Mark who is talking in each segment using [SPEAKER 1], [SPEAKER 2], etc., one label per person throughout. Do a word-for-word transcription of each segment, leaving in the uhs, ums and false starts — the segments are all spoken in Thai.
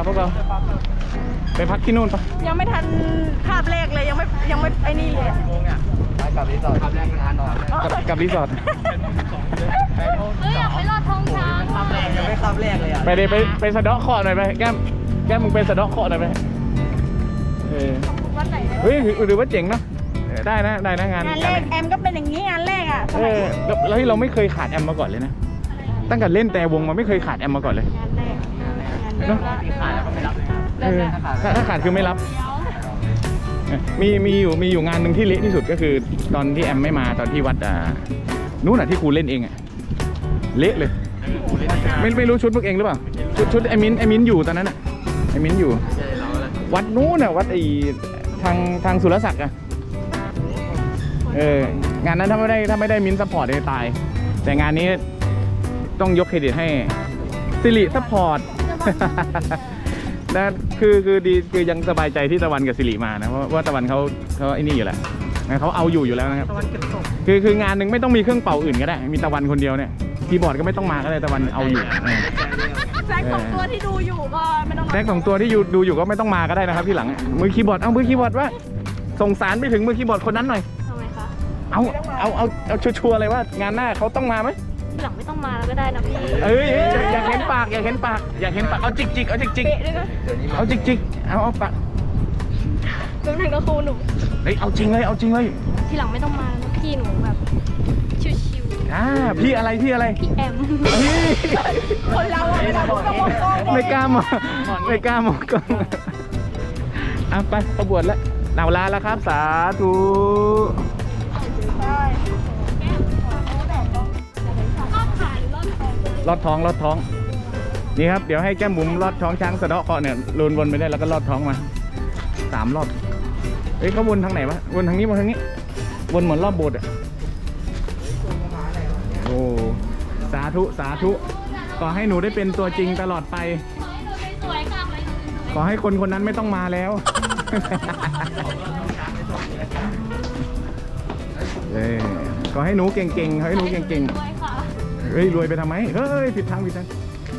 [SPEAKER 1] พวกเราไปพักที่นู่นปะ
[SPEAKER 2] ยังไม่ทันคาบแรกเลยยังไม่ยังไม่ไอ้นี่เลย
[SPEAKER 3] กี่โมงเนี่ยไปกับรีสอร์ทคาบแรกงานนอน
[SPEAKER 1] กับรีสอร์ท
[SPEAKER 4] เฮ้ยอยากไปลอดท้องช้าง
[SPEAKER 3] คาบแรกยังไม่คาบแรกเลยอ่ะ
[SPEAKER 1] ไปเลยไปไปสะเดาะเคาะหน่อยไปแก้มแก้มมึงไปสะเดาะเคาะหน่อยไปเออเฮ้ยหรือว่าเจ๋งเนาะได้นะได้นะงาน
[SPEAKER 2] งานแรกแอมก็เป็นอย่างนี้งานแรกอ่ะ
[SPEAKER 1] เออแล้วเราไม่เคยขาดแอมมาก่อนเลยนะตั้งแต่เล่นแต่วงมาไม่เคยขาดแอมมาก่อนเลย
[SPEAKER 2] งานแรก
[SPEAKER 1] เนาะ
[SPEAKER 3] ขาดแล้วก็ไม่รับ
[SPEAKER 1] ถ้าขาดคือไม่รับมีมีอยู่มีอยู่งานหนึ่งที่เละที่สุดก็คือตอนที่แอมไม่มาตอนที่วัดอ่านู้นอ่ะที่ครูเล่นเองอ่ะเละเลยไม่ไม่รู้ชุดพวกเองหรือเปล่าชุดชุดไอมินไอมินอยู่ตอนนั้นอ่ะไอมินอยู่วัดนู้นอ่ะวัดไอทางทางสุรศักดิ์อ่ะเอองานนั้นถ้าไม่ได้ถ้าไม่ได้มินซัพพอร์ตจะตายแต่งานนี้ต้องยกเครดิตให้สิริซัพพอร์ตนะคือคือดีคือยังสบายใจที่ตะวันกับสิริมานะเพราะว่าตะวันเขาเขาไอ้นี่อยู่แหละเขาเอาอยู่อยู่แล้วนะครับตะวันเก็บตกคือคืองานหนึ่งไม่ต้องมีเครื่องเป่าอื่นก็ได้มีตะวันคนเดียวเนี่ยคีย์บอร์ดก็ไม่ต้องมาก็ได้ตะวันเอาอยู่
[SPEAKER 2] แซกสองตัวที่ดูอยู่ก็ไม่ต้อง
[SPEAKER 1] แซกสองตัวที่ดูอยู่ก็ไม่ต้องมาก็ได้นะครับที่หลังมือคีย์บอร์ดเอามือคีย์บอร์ดว่าส่งสารไปถึงมือคีย์บอร์ดคนนั้นหน่อย
[SPEAKER 2] ทำไมคะ
[SPEAKER 1] เอาเอาเอาเอาชัวร์ๆเลยว่างานหน้าเขาต้องมาไหม
[SPEAKER 2] หลังไม่ต้องมาแล้วก็ได้นะพี่
[SPEAKER 1] เอ้ยอยากเห็นปากอยากเห็นปากอยากเห็นปากเอาจิกจิกเอาจิกจิกเอาจิกจิกเอาเอาปาก
[SPEAKER 2] ตรงนั้นก็ครูหนู
[SPEAKER 1] เฮ้ยเอาจริงเลยเอาจริงเลย
[SPEAKER 2] ทีหลังไม่ต้องมาแล้วพี่หนูแบบชิว
[SPEAKER 1] ๆอ่าพี่อะไรพี่อะไร
[SPEAKER 2] พี่แอมคนเราอะไม่ต้องมองกล้อง
[SPEAKER 1] ไม่กล้ามองไม่กล้ามองกล้องอ่ะไปประบวชแล้วหนาวลาแล้วครับสาธุลอดท้องลอดท้องนี่ครับเดี๋ยวให้แก้มบุ๋มลอดท้องช้างสะเดาะเคาะเนี่ยลุนวนไปได้แล้วก็ลอดท้องมาสามรอบเฮ้ยเขาวนทางไหนวะวนทางนี้วนทางนี้วนเหมือนรอบโบสถ์อ่ะโอ้สาธุสาธุขอให้หนูได้เป็นตัวจริงตลอดไปขอให้คนคนนั้นไม่ต้องมาแล้วเออขอให้หนูเก่งๆขอให้หนูเก่งๆเฮ้ยรวยไปทำไมเฮ้ยผิดทางผิดทาง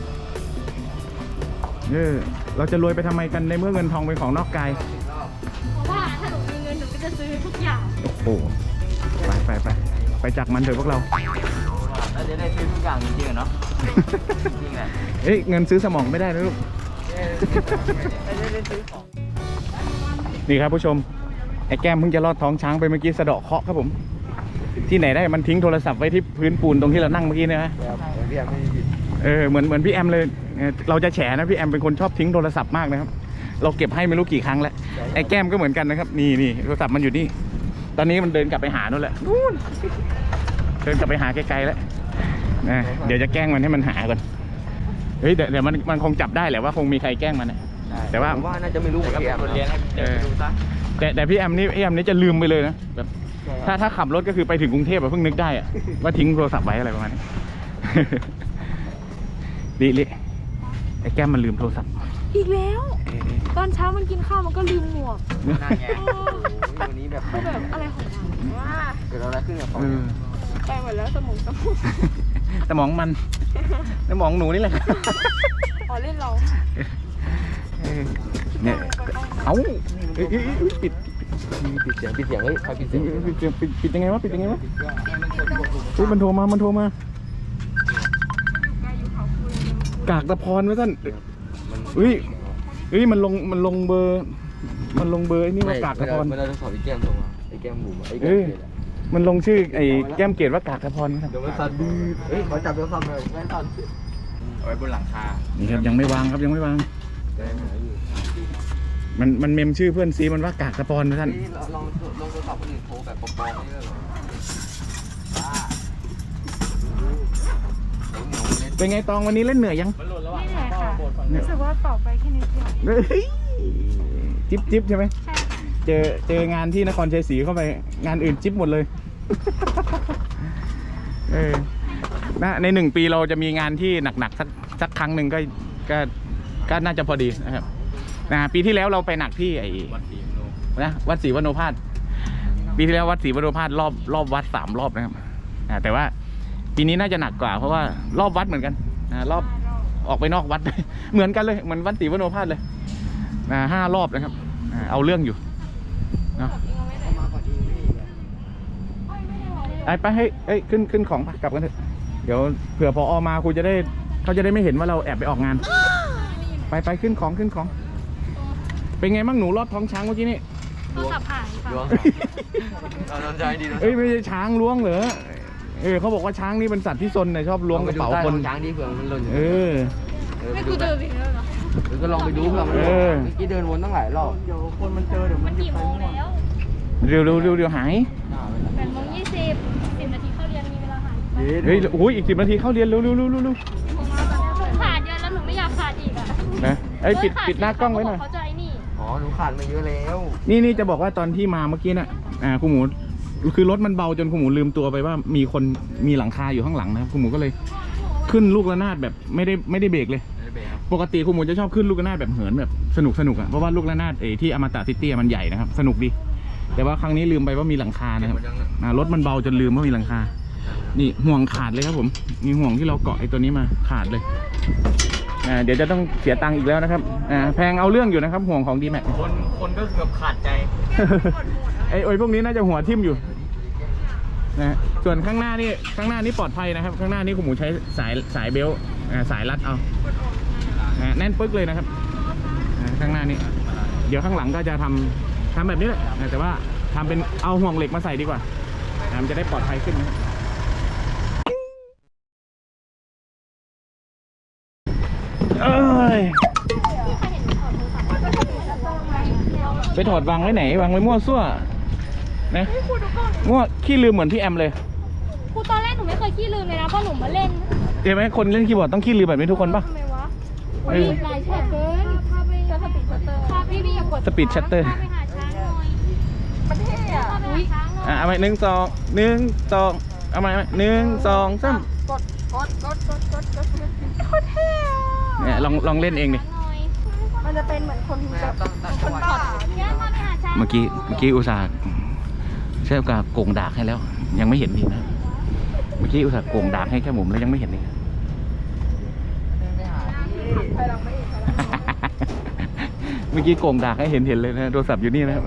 [SPEAKER 1] เออเราจะรวยไปทำไมกันในเมื่อเงินทองเป็นของนอกกาย
[SPEAKER 2] เพราะว่าถ้าหนูมีเงินหนูก็จะซื้อทุกอย่าง
[SPEAKER 1] โอ้โหไปไปไปไปจากมันเถอะพวกเรา
[SPEAKER 3] เราจะได้ซื้อทุกอย่างจริงๆเนาะจริงแหละ
[SPEAKER 1] เฮ้ยเงินซื้อสมองไม่ได้นะลูกนี่ครับผู้ชมไอ้แก้มเพิ่งจะลอดท้องช้างไปเมื่อกี้สะเดาะเคาะครับผมที่ไหนได้มันทิ้งโทรศัพท์ไว้ที่พื้นปูนตรงที่เรานั่งเมื่อกี้นะเออเหมือนเหมือนพี่แอมเลยเราจะแฉนะพี่แอมเป็นคนชอบทิ้งโทรศัพท์มากนะครับเราเก็บให้ไม่รู้กี่ครั้งแล้วไอ้แก้มก็เหมือนกันนะครับนี่นี่โทรศัพท์มันอยู่นี่ตอนนี้มันเดินกลับไปหานู่นแหละนู่นเดินกลับไปหาไกลๆแล้วนะเดี๋ยวจะแกล้งมันให้มันหาก่อนเฮ้ยเดี๋ยวเดี๋ยวมันมันคงจับได้แหละว่าคงมีใครแกล้งมันนะแต่ว่า
[SPEAKER 3] ว่าน่าจะไม่รู้เหมือนพี่แอม
[SPEAKER 1] แต่แต่พี่แอมนี่พี่แอมนี่จะลืมไปเลยนะแบบถ้าถ้าขับรถก็คือไปถึงกรุงเทพแบบเพิ่งนึกได้อะว่าทิ้งโทรศัพท์ไว้อะไรประมาณนี้ดิลิไอ้แก้มมันลืมโทรศัพท์
[SPEAKER 2] อีกแล้วตอนเช้ามันกินข้าวมันก็ลืมหมวก
[SPEAKER 3] น่าแง่วันนี้แบบ
[SPEAKER 2] แบบอะไรของมันว่า
[SPEAKER 3] เกิดอะไรขึ้นกับเขา
[SPEAKER 2] ไปหมดแล้วสมองสมอง
[SPEAKER 1] สมองมันสมองหนูนี่แหละ
[SPEAKER 2] อ๋อเล่นเรา
[SPEAKER 1] เนี่ยเอ้าปิด
[SPEAKER 3] ปิดเสียงปิดเสียงเฮ้ยใครปิดเสียง
[SPEAKER 1] ปิดเสียงปิดปิดยังไงวะปิดยังไงวะเฮ้ยมันโทรมามันโทรมากากตะพรไว้ท่านเฮ้ยเฮ้ยมันลงมันลงเบอร์มันลงเบอร์ไอ้นี่ว่ากากตะพร
[SPEAKER 3] ไม่ได้ต้องสอบไอ้แก้มตรงไอ้แก้มบุ๋มไอ้แก้มเกศ
[SPEAKER 1] มันลงชื่อไอ้แก้มเกศว่ากากตะพร
[SPEAKER 3] เดี๋ยวมันสั่นดื้อเฮ้ยขอจับโทรศัพท์เลยแม่สั่นเอาไว้บนหลังคา
[SPEAKER 1] นี่ครับยังไม่วางครับยังไม่วางมันมันเมมชื่อเพื่อนซีมันว่ากากตะพรนะท่าน
[SPEAKER 3] ลองลองโทรศัพท์คนอื่นโทรแบบปลอมๆนี่เลย
[SPEAKER 1] เป็นไงตองวันนี้เล่นเหนื่อยยัง
[SPEAKER 2] ไม่เหนื่อยค่ะรู้สึกว่าต่อไปแค่นิดเดียว
[SPEAKER 1] จิ๊บจิ๊บใช่ไหม
[SPEAKER 2] ใช่ค่ะ
[SPEAKER 1] เจอเจองานที่นครชัยศรีเข้าไปงานอื่นจิ๊บหมดเลยเออนะในหนึ่งปีเราจะมีงานที่หนักๆสักสักครั้งหนึ่งก็ก็ก็น่าจะพอดีนะครับนะปีที่แล้วเราไปหนักที่ไอ้นะวัดศรีวโนภาสปีที่แล้ววัดศรีวโนภาสรอบรอบวัดสามรอบนะครับแต่ว่าปีนี้น่าจะหนักกว่าเพราะว่ารอบวัดเหมือนกันรอบออกไปนอกวัด เหมือนกันเลยเหมือนวัดศรีวโนภาสเลยอ่าห้ารอบนะครับอ่าเอาเรื่องอยู่เนาะไปไปให้เอ้ยขึ้นขึ้นของไปกลับกันเถอะเดี๋ยวเผื่อพออมาครูจะได้เขาจะได้ไม่เห็นว่าเราแอบไปออกงาน ไปไปขึ้นของขึ้นของ เป็นไงบ้างหนูรอดท้องช้างเมื่อกี้นี่
[SPEAKER 4] โทรศัพท์หายค่ะ
[SPEAKER 3] ล้วงเราสนใจดีนะ
[SPEAKER 1] เอ้ยไม่ใช่ช้างล้วงเหรอเออเขาบอกว่าช้างนี่เป็นสัตว์ที่ซนนะชอบล้วงกระเป๋าคน
[SPEAKER 3] ช้างดีเผื่อมันหล่น
[SPEAKER 1] เออ
[SPEAKER 4] ไม่กูเจอผิดแล้วเหรอ
[SPEAKER 3] หรือก็ลองไปดูเผื่อมันหล่นเมื่อกี้เดินวนตั้งหลายรอบเดี๋ยวคนมันเจอเดี๋ยว
[SPEAKER 4] มั
[SPEAKER 3] มัน น
[SPEAKER 4] กี่โมงแล้ว
[SPEAKER 1] เร็วเร็วเร็วเร็วหาย
[SPEAKER 4] แปดโมงยี่สิบสิบนาทีเข้าเรียนมีเวลาหายไป
[SPEAKER 1] เฮ้ยโอ้ยอีกสิบนาทีเข้าเรียนเร็วเร็วเร็วเร็วเร็ว
[SPEAKER 4] ผมมาตอนนี้ขาดเยอะแล้วหนูไม่อยากขาดอีกอ่ะ
[SPEAKER 1] นะไอ้ยปิดปิดหน้ากล้องไว้หน่อย
[SPEAKER 4] เขาจะไอ้นี่
[SPEAKER 3] อ๋อหนูขาดมาเยอะแล้ว
[SPEAKER 1] นี่นี่จะบอกว่าตอนที่มาเมื่อกี้น่ะอ่าคุณหมูคือรถมันเบาจนคุณหมูลืมตัวไปว่ามีคนมีหลังคาอยู่ข้างหลังนะครับคุณหมูก็เลยขึ้นลูกระนาดแบบไม่ได้ไม่ได้เบรกเลย ปกติคุณหมูจะชอบขึ้นลูกระนาดแบบเหินแบบสนุกสนุกอ่ะเพราะว่าลูกระนาดเอที่อมตะซิตี้มันใหญ่นะครับสนุกดีแต่ว่าครั้งนี้ลืมไปว่ามีหลังคานะครับอ่ารถมันเบาจนลืมว่ามีหลังคานี่ห่วงขาดเลยครับผมมีห่วงที่เราเกาะไอ้ตัวนี้มาขาดเลยอ่าเดี๋ยวจะต้องเสียตังค์อีกแล้วนะครับอ่าแพงเอาเรื่องอยู่นะครับห่วงของดีแม็ก
[SPEAKER 3] คนคนก็เกือบขาดใจ
[SPEAKER 1] ไอ้โอ้ยพวกนี้น่าจะหัวทิ่มอยู่นะส่วนข้างหน้านี่ข้างหน้านี่ปลอดภัยนะครับ ข้างหน้านี่คุณหมูใช้สายสายเบลต์อ่าสายรัดเอาอ่าแน่นปึ๊กเลยนะครับอ่าข้างหน้านี่เดี๋ยวข้างหลังก็จะทำทำแบบนี้แหละอ่าแต่ว่าทำเป็นเอาห่วงเหล็กมาใส่ดีกว่าอ่ามันจะได้ปลอดภัยขึ้นนะครับเอ้ยไปถอดวางไว้ไหนวางไว้มั่วซั่วนะมั่วขี้ลืมเหมือนพี่แอมเลย
[SPEAKER 4] ครูตอนแรกหนูไม่เคยขี้ลืมเลยนะเพราะหนูมาเล่น
[SPEAKER 1] เห็นไหมคนเล่นคีย์บอร์ดต้องขี้ลืมแบบนี้ทุกคนป่ะ
[SPEAKER 4] ทำไมวะ
[SPEAKER 1] เออ
[SPEAKER 4] หลายแฉกเกินถ้าไปสปีดชัตเตอร์ถ้าพี่พี่อย่ากด
[SPEAKER 1] สปีดชัตเตอร์
[SPEAKER 4] ถ้าไปหาช้างหน่อย
[SPEAKER 2] มันเท่อะ
[SPEAKER 4] ถ้าไปหาช้างหน่อย
[SPEAKER 1] อ่ะเอาไปหนึ่งสองหนึ่งสองเอาไปหนึ่งสองสาม
[SPEAKER 2] กดกดกดกดกดกดโคตรเท่อะ
[SPEAKER 1] เนี่ยลองลองเล่นเองดิ
[SPEAKER 4] หน่อย
[SPEAKER 2] มันจะเป็นเหมือนคนแบบคนบ้า
[SPEAKER 4] เดี๋ยวถ้าไปหาช้าง
[SPEAKER 1] เมื่อกี้เมื่อกี้อุตส่าห์ใช้โอกาสโกงดากให้แล้ว ยังไม่เห็นดีนะเมื่อกี้อุตส่าห์โกงดากให้แค่หมุมแล้วยังไม่เห็นเลย เมื่อกี้โกงดากให้เห็นเห็นเลยนะโทรศัพท์อยู่นี่นะครับ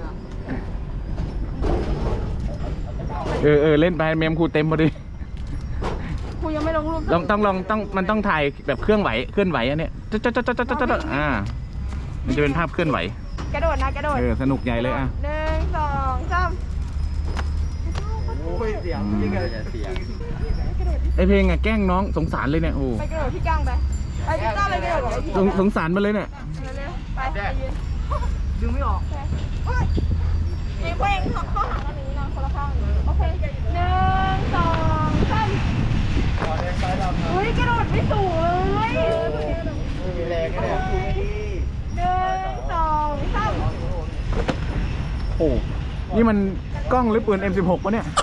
[SPEAKER 1] เออเออเล่นไปเมมครูเต็มพอดี
[SPEAKER 2] ครูยังไม่ลงรูป
[SPEAKER 1] ต้องต้องลองต้องมันต้องถ่ายแบบเคลื่อนไหวเคลื่อนไหวอันเนี้ยจ๊ะจ๊ะจ๊ะจ๊ะจ๊ะจ๊ะอ่ามันจะเป็นภาพเคลื่อนไหว
[SPEAKER 2] กระโดดนะกระโดด
[SPEAKER 1] เออสนุกใหญ่เลยอ่ะ
[SPEAKER 2] หนึ่งสองสาม
[SPEAKER 3] โอ้ยเสียงจริงเลยเสียง
[SPEAKER 1] ไอเพลงอ่ะแกล้งน้องสงสารเลยเนี่ยโอ้
[SPEAKER 2] ไปกระโดดที่ก้างไปไปที่ก้างเลยกระโดดกับไอ้พี่
[SPEAKER 1] สงสงสารมันเลยเนี่ย
[SPEAKER 2] เร็วๆไปไปยืนดึงไม่ออกเฮ้ยเองเองเข้าหากันอย่างนี้นะคนละข้างโอเคหนึ่งสองสามเฮ้ยกระโดดไม่สูงเลย
[SPEAKER 3] มีแรงแค่ไหน
[SPEAKER 2] หนึ่งสองสาม
[SPEAKER 1] โอ้นี่มันกล้องหรือปืน เอ็ม สิบหก ปะเนี่ย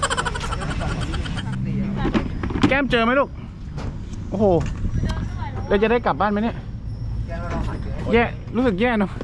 [SPEAKER 1] แก้มเจอไหมลูกโอ้โหเราจะได้กลับบ้านไหมเนี่ยแย่รู้สึกแย่เนาะ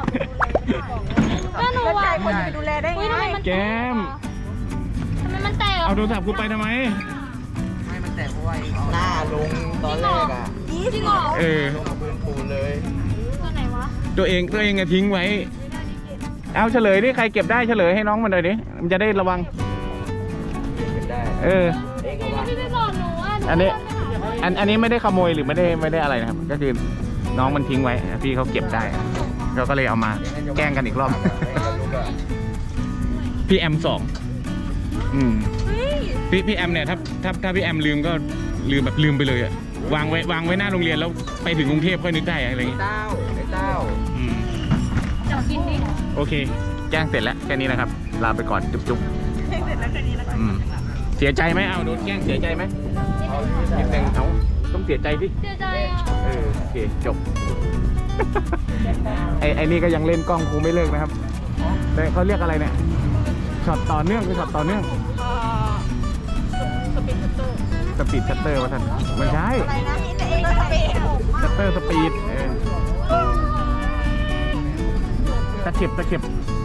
[SPEAKER 4] ก็หนู
[SPEAKER 2] แล้วใจ
[SPEAKER 4] อ่ะ
[SPEAKER 2] คนจะไปดูแลได้
[SPEAKER 4] อุ้ย
[SPEAKER 2] ไง
[SPEAKER 4] ทำไมมัน
[SPEAKER 1] แก้ม
[SPEAKER 4] ทำไมมันแตก
[SPEAKER 1] เอาโทรศัพท์กูไปทำไม
[SPEAKER 3] ไม่มันแตกเพราะว่าหน้าลงตอนแรกอ่ะ
[SPEAKER 4] จริงเหรอ
[SPEAKER 1] เออ
[SPEAKER 3] ลงกับพื้นปูนเลย
[SPEAKER 4] ตัวไหนวะ
[SPEAKER 1] ตัวเองตัวเองอะทิ้งไว้ เอาเฉลยดิใครเก็บได้เฉลยให้น้องมันหน่อยดิมันจะได้ระวัง
[SPEAKER 3] เป็นได้
[SPEAKER 1] เออ
[SPEAKER 3] เองเอาวะ
[SPEAKER 4] พี่ไปบอกหนูอ่ะห
[SPEAKER 1] อันนี้
[SPEAKER 4] เดิไปหา
[SPEAKER 1] อันอันนี้ไม่ได้ขโมยหรือไม่ได้ไม่ได้อะไรนะครับ ก็คือน้องมันทิ้งไว้พี่เขาเก็บได้เราก็เลยเอามาแกล้งกันอีกรอบ พี่แอมสองอืมพี่พี่แอมเนี่ยถ้าถ้าถ้าพี่แอมลืมก็ลืมแบบลืมไปเลยอะวางไว้วางไว้หน้าโรงเรียนแล้วไปถึงกรุงเทพค่อยนึกได้อะไรอย่างงี้
[SPEAKER 3] เต้าไอ้เต้า
[SPEAKER 1] อืม
[SPEAKER 4] เดี๋ยวกินดิ
[SPEAKER 1] โอเคแจ้งเสร็จแล้วแค่นี้นะครับลาไปก่อนจุ๊บจุ๊บอืมเสียใจไหมเอาโดนแกล้งเสียใจไหมนิดนึงเอาต้องเสียใจดิ
[SPEAKER 4] เสียใจอ่ะ
[SPEAKER 1] เออโอเคจบ ไอไอนี่ก็ยังเล่นกล้องกูไม่เลิกนะครับแต่เขาเรียกอะไรเนี่ยช็อตต่อเนื่องคือช็อตต่อเนื่อง
[SPEAKER 2] สปีดชัตเตอร์
[SPEAKER 1] สปีดชัตเตอร์วะท่านไม่ใช่
[SPEAKER 2] อะไรนะแต่เองก็สปีด
[SPEAKER 1] ชัตเตอร์สปีดเออตะเข็บตะเข็บ